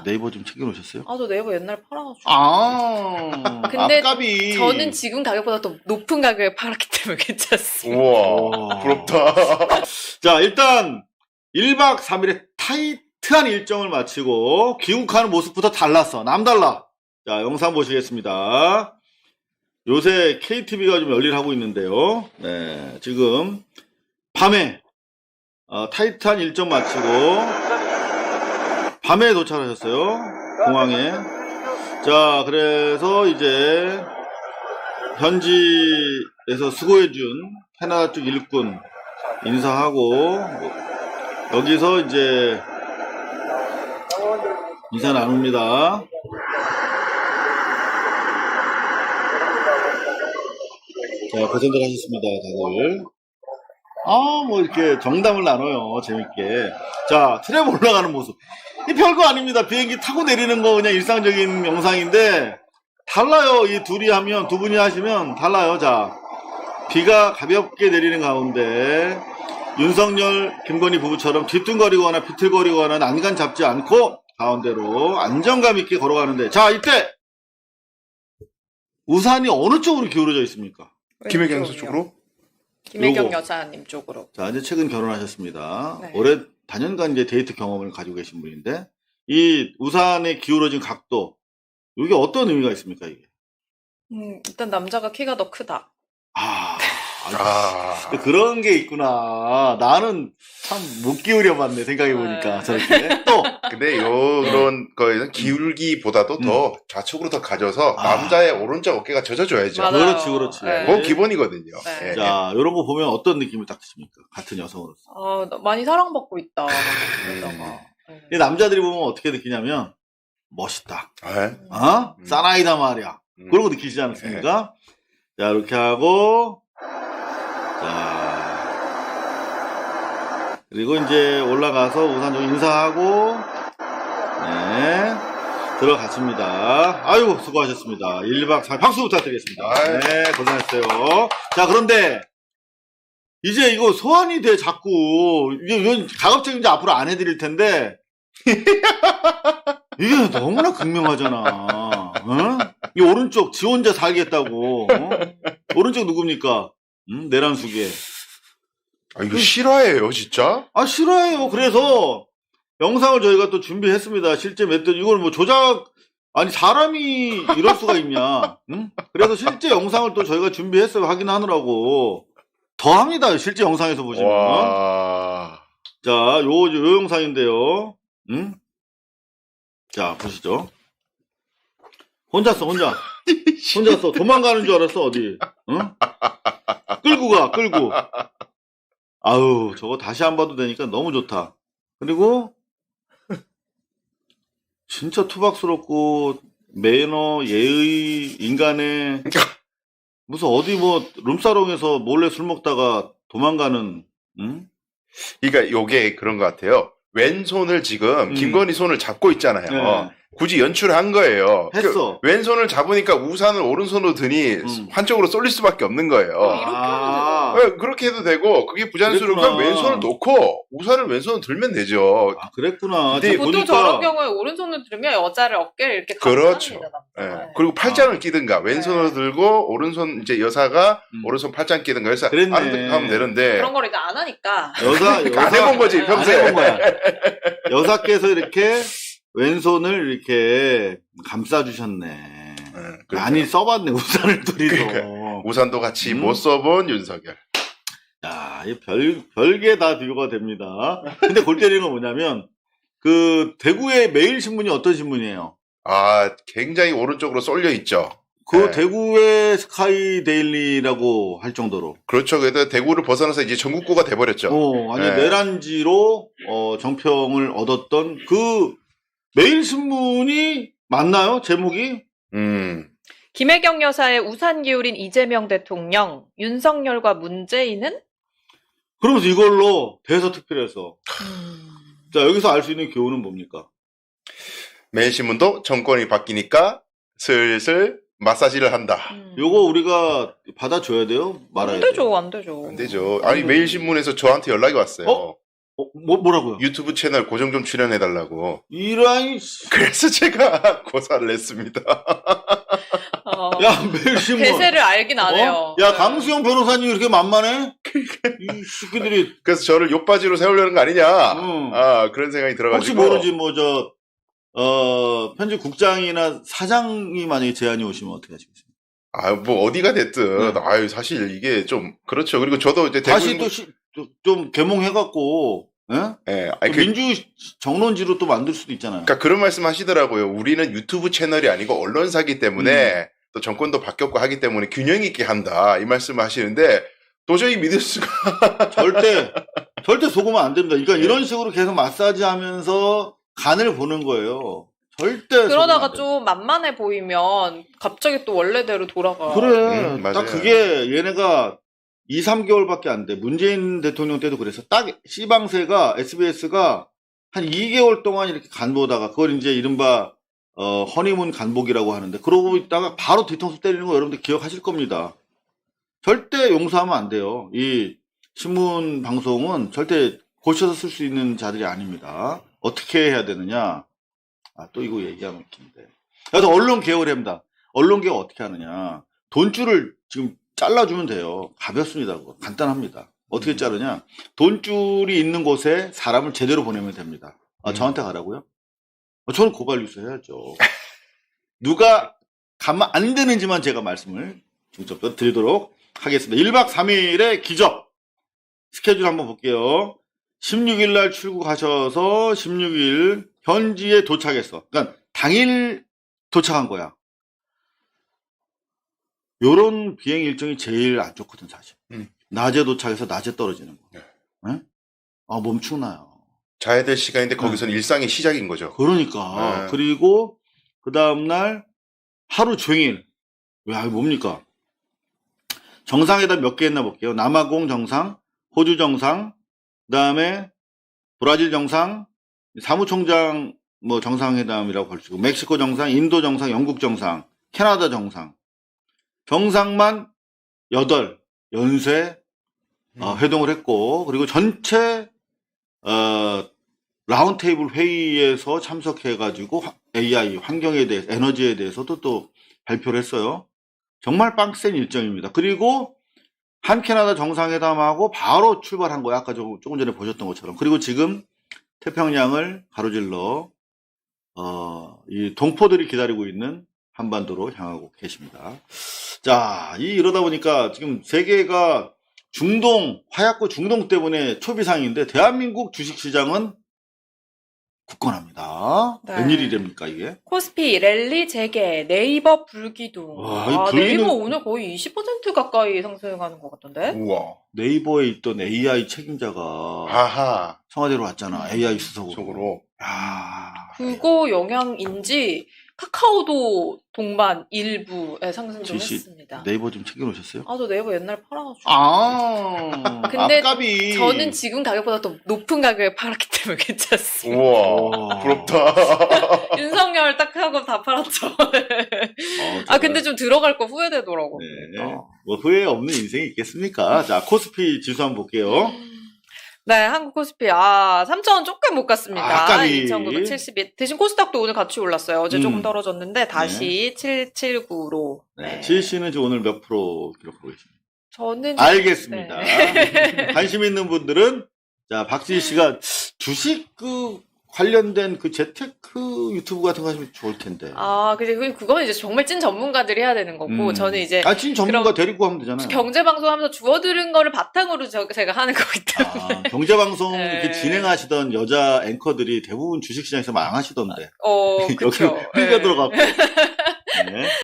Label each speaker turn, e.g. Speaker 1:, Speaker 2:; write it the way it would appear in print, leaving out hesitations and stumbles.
Speaker 1: 네이버 좀 챙겨놓으셨어요?
Speaker 2: 아, 저 네이버 옛날에 팔아가지고.
Speaker 1: 근데
Speaker 2: 앞값이. 저는 지금 가격보다 더 높은 가격에 팔았기 때문에 괜찮습니다.
Speaker 3: 우와, 부럽다.
Speaker 1: 자, 일단 1박 3일의 타이트한 일정을 마치고 귀국하는 모습부터 달랐어. 남달라. 자, 영상 보시겠습니다. 요새 KTV가 좀 열일하고 있는데요. 네, 지금 밤에 타이트한 일정 마치고 밤에 도착하셨어요. 공항에. 자, 그래서 이제 현지에서 수고해준 캐나다 쪽 일꾼 인사하고 여기서 이제 인사 나눕니다. 자, 고생들 하셨습니다, 다들. 뭐 이렇게 정담을 나눠요, 재밌게. 자, 트램 올라가는 모습. 이 별거 아닙니다. 비행기 타고 내리는 거 그냥 일상적인 영상인데, 달라요. 이 둘이 하면, 두 분이 하시면 달라요. 자, 비가 가볍게 내리는 가운데, 윤석열, 김건희 부부처럼 뒤뚱거리거나 비틀거리거나 난간 잡지 않고, 가운데로 안정감 있게 걸어가는데, 자, 이때! 우산이 어느 쪽으로 기울어져 있습니까?
Speaker 3: 김혜경 여사 쪽으로?
Speaker 2: 김혜경
Speaker 1: 요거.
Speaker 2: 여사님 쪽으로.
Speaker 1: 자, 이제 최근 결혼하셨습니다.
Speaker 2: 네.
Speaker 1: 올해 단연간 이제 데이트 경험을 가지고 계신 분인데, 이 우산의 기울어진 각도, 이게 어떤 의미가 있습니까, 이게?
Speaker 2: 일단 남자가 키가 더 크다.
Speaker 1: 그런 게 있구나. 나는 참 못 기울여봤네, 생각해보니까.
Speaker 2: 네.
Speaker 1: 저렇게. 또,
Speaker 3: 근데 요런 거에는 기울기보다도 더 좌측으로 더 가져서 남자의 오른쪽 어깨가 젖어줘야죠.
Speaker 2: 맞아요.
Speaker 1: 그렇지.
Speaker 2: 네.
Speaker 3: 그건 기본이거든요.
Speaker 2: 네.
Speaker 3: 예.
Speaker 1: 자, 요런 거 보면 어떤 느낌을 딱 드십니까? 같은 여성으로서.
Speaker 2: 많이 사랑받고 있다. 그러다가.
Speaker 1: 이 남자들이 보면 어떻게 느끼냐면, 멋있다.
Speaker 3: 예.
Speaker 1: 사나이다 말이야. 그런 거 느끼시지 않습니까? 자, 이렇게 하고, 자, 그리고 이제 올라가서 우산 좀 인사하고, 네, 들어갔습니다. 아이고, 수고하셨습니다. 1박 4일 박수 부탁드리겠습니다. 네, 고생했어요. 자, 그런데, 이제 이거 소환이 돼, 자꾸. 이건 가급적 이제 앞으로 안 해드릴 텐데, 이게 너무나 극명하잖아. 이 오른쪽 지 혼자 살겠다고. 오른쪽 누굽니까? 내란수계.
Speaker 3: 이거 실화예요, 진짜?
Speaker 1: 싫어해요. 그래서 영상을 저희가 또 준비했습니다. 실제 몇 이걸 뭐 사람이 이럴 수가 있냐? 그래서 실제 영상을 또 저희가 준비했어요. 확인하느라고. 더합니다. 실제 영상에서 보시면.
Speaker 3: 와.
Speaker 1: 자, 요 영상인데요. 자, 보시죠. 혼자 도망가는 줄 알았어, 어디. 끌고 가. 아유, 저거 다시 안 봐도 되니까 너무 좋다. 그리고, 진짜 투박스럽고, 매너, 예의, 인간의, 무슨 어디 룸사롱에서 몰래 술 먹다가 도망가는,
Speaker 3: 그러니까 요게 그런 것 같아요. 왼손을 지금 김건희 손을 잡고 있잖아요.
Speaker 1: 네.
Speaker 3: 굳이 연출한 거예요.
Speaker 1: 했어.
Speaker 3: 왼손을 잡으니까 우산을 오른손으로 드니 한쪽으로 쏠릴 수밖에 없는 거예요.
Speaker 2: 이렇게 하면 되죠.
Speaker 3: 그렇게 해도 되고 그게 부자연스러우면
Speaker 1: 그랬구나.
Speaker 3: 왼손을 놓고 우산을 왼손으로 들면 되죠.
Speaker 1: 그랬구나.
Speaker 3: 근데
Speaker 2: 보통
Speaker 1: 보니까
Speaker 2: 저런 경우에 오른손을 들면 여자를 어깨를 이렇게
Speaker 3: 그렇죠.
Speaker 2: 감쌉니다.
Speaker 3: 예. 그리고 팔짱을 끼든가 왼손으로 들고 오른손 이제 여사가 오른손 팔짱 끼든가 해서
Speaker 1: 그랬네.
Speaker 3: 하면 되는데
Speaker 2: 그런 걸 이제 안 하니까.
Speaker 3: 안 해본 거지
Speaker 2: 안
Speaker 3: 평소에.
Speaker 1: 안 해본 거야. 여사께서 이렇게 왼손을 이렇게 감싸주셨네. 많이 써봤네, 우산을 둘이서.
Speaker 3: 우산도 같이 못 써본 윤석열.
Speaker 1: 야, 이 별게 다 비교가 됩니다. 근데 골 때리는 건 뭐냐면, 대구의 매일신문이 어떤 신문이에요?
Speaker 3: 굉장히 오른쪽으로 쏠려 있죠.
Speaker 1: 대구의 스카이 데일리라고 할 정도로.
Speaker 3: 그렇죠. 그래도 대구를 벗어나서 이제 전국구가 돼버렸죠.
Speaker 1: 완전 내란지로, 정평을 얻었던 매일신문이 맞나요? 제목이?
Speaker 2: 김혜경 여사의 우산 기울인 이재명 대통령, 윤석열과 문재인은?
Speaker 1: 그러면서 이걸로 대서특필해서. 자, 여기서 알 수 있는 교훈은 뭡니까?
Speaker 3: 매일신문도 정권이 바뀌니까 슬슬 마사지를 한다.
Speaker 1: 요거 우리가 받아줘야 돼요? 말아야 돼요?
Speaker 2: 안 되죠.
Speaker 3: 안 되죠. 아니 매일신문에서 저한테 연락이 왔어요.
Speaker 1: 뭐라고요?
Speaker 3: 유튜브 채널 고정 좀 출연해달라고.
Speaker 1: 이라이,
Speaker 3: 그래서 제가 고사를 했습니다.
Speaker 1: 야, 매일신문.
Speaker 2: 대세를 알긴 안 해요.
Speaker 1: 야,
Speaker 2: 네.
Speaker 1: 강수영 변호사님 이렇게 만만해? 이 새끼들이.
Speaker 3: 그래서 저를 욕바지로 세우려는 거 아니냐.
Speaker 1: 응.
Speaker 3: 그런 생각이 들어가지고.
Speaker 1: 혹시 모르지, 편집국장이나 사장이 만약에 제안이 오시면 어떻게 하시겠어요?
Speaker 3: 뭐 어디가 됐든. 사실 이게 좀 그렇죠. 그리고 저도 이제
Speaker 1: 다시 좀 개몽해갖고, 예?
Speaker 3: 예.
Speaker 1: 또 민주 정론지로 또 만들 수도 있잖아요.
Speaker 3: 그러니까 그런 말씀 하시더라고요. 우리는 유튜브 채널이 아니고 언론사기 때문에 또 정권도 바뀌었고 하기 때문에 균형 있게 한다. 이 말씀을 하시는데 도저히 믿을 수가.
Speaker 1: 절대 속으면 안 됩니다. 그러니까
Speaker 3: 네.
Speaker 1: 이런 식으로 계속 마사지 하면서 간을 보는 거예요. 절대.
Speaker 2: 그러다가
Speaker 1: 속으면 안
Speaker 2: 좀 만만해 보이면 갑자기 또 원래대로 돌아가.
Speaker 1: 돼요. 그래.
Speaker 3: 맞아요.
Speaker 1: 딱 그게 얘네가 2, 3개월밖에 안 돼. 문재인 대통령 때도 그래서 딱 C방세가, SBS가 한 2개월 동안 이렇게 간 보다가 그걸 이제 이른바 허니문 간복이라고 하는데 그러고 있다가 바로 뒤통수 때리는 거 여러분들 기억하실 겁니다. 절대 용서하면 안 돼요. 이 신문 방송은 절대 고쳐서 쓸 수 있는 자들이 아닙니다. 어떻게 해야 되느냐? 또 이거 얘기하면 웃긴데. 그래서 언론 개혁을 합니다. 언론 개혁 어떻게 하느냐? 돈줄을 지금 잘라주면 돼요. 가볍습니다. 그거. 간단합니다. 어떻게 자르냐? 돈줄이 있는 곳에 사람을 제대로 보내면 됩니다. 저한테 가라고요? 저는 고발 뉴스 해야죠. 누가 가면 안 되는지만 제가 말씀을 중점적으로 드리도록 하겠습니다. 1박 3일의 기적. 스케줄 한번 볼게요. 16일 날 출국하셔서 16일 현지에 도착했어. 그러니까 당일 도착한 거야. 요런 비행 일정이 제일 안 좋거든, 사실. 낮에 도착해서 낮에 떨어지는 거. 네? 멈추나요.
Speaker 3: 자야 될 시간인데 거기서는 일상의 시작인 거죠.
Speaker 1: 그러니까. 그리고 그 다음날 하루 종일. 이거 뭡니까? 정상회담 몇 개 했나 볼게요. 남아공 정상, 호주 정상, 그 다음에 브라질 정상, 사무총장 정상회담이라고 볼 수 있고, 멕시코 정상, 인도 정상, 영국 정상, 캐나다 정상. 정상만 8 연쇄 회동을 했고, 그리고 전체 라운드테이블 회의에서 참석해가지고 AI 환경에 대해서, 에너지에 대해서도 또 발표를 했어요. 정말 빡센 일정입니다. 그리고 한 캐나다 정상회담하고 바로 출발한 거예요. 아까 조금 전에 보셨던 것처럼. 그리고 지금 태평양을 가로질러 이 동포들이 기다리고 있는 한반도로 향하고 계십니다. 자, 이러다 보니까 지금 세계가 화약고 중동 때문에 초비상인데 대한민국 주식시장은 굳건합니다.
Speaker 2: 네.
Speaker 1: 웬일이랍니까 이게?
Speaker 2: 코스피 랠리 재개, 네이버 불기둥.
Speaker 1: 와, 이 불기둥-
Speaker 2: 네이버 오늘 거의 20% 가까이 상승하는 것 같던데?
Speaker 3: 우와.
Speaker 1: 네이버에 있던 AI 책임자가
Speaker 3: 아하.
Speaker 1: 청와대로 왔잖아. AI 수석으로.
Speaker 3: 속으로.
Speaker 1: 야,
Speaker 2: 그거 영향인지 카카오도 동반 일부에 상승 좀
Speaker 1: 지시-
Speaker 2: 했습니다.
Speaker 1: 네이버 좀 챙겨놓으셨어요?
Speaker 2: 저 네이버 옛날에 팔아가지고. 근데
Speaker 1: 앞값이.
Speaker 2: 저는 지금 가격보다 더 높은 가격에 팔았기 때문에 괜찮습니다.
Speaker 3: 우와. 부럽다.
Speaker 2: 윤석열 딱 하고 다 팔았죠. 근데 좀 들어갈 거 후회되더라고요.
Speaker 1: 네. 후회 없는 인생이 있겠습니까? 자, 코스피 지수 한번 볼게요.
Speaker 2: 네, 한국 코스피 3,000원 조금 못 갔습니다.
Speaker 1: 아깝이.
Speaker 2: 2,972. 대신 코스닥도 오늘 같이 올랐어요. 어제 조금
Speaker 1: 음.
Speaker 2: 떨어졌는데 다시 779로.
Speaker 1: 네. 지혜씨는 지금 오늘 몇 프로 기록하고 계십니까?
Speaker 2: 저는
Speaker 1: 알겠습니다.
Speaker 2: 네.
Speaker 1: 관심 있는 분들은, 자, 박지희씨가 주식 관련된 재테크 유튜브 같은 거 하시면 좋을 텐데.
Speaker 2: 그건 이제 정말 찐 전문가들이 해야 되는 거고, 저는 이제
Speaker 1: 찐 전문가 데리고 하면 되잖아요.
Speaker 2: 경제방송 하면서 주워 들은 거를 바탕으로 제가 하는 거기 때문에.
Speaker 1: 경제방송
Speaker 2: 네.
Speaker 1: 이렇게 진행하시던 여자 앵커들이 대부분 주식시장에서 망하시던데.
Speaker 2: 그쵸.
Speaker 1: 여기로 흘려 들어갔고. 네.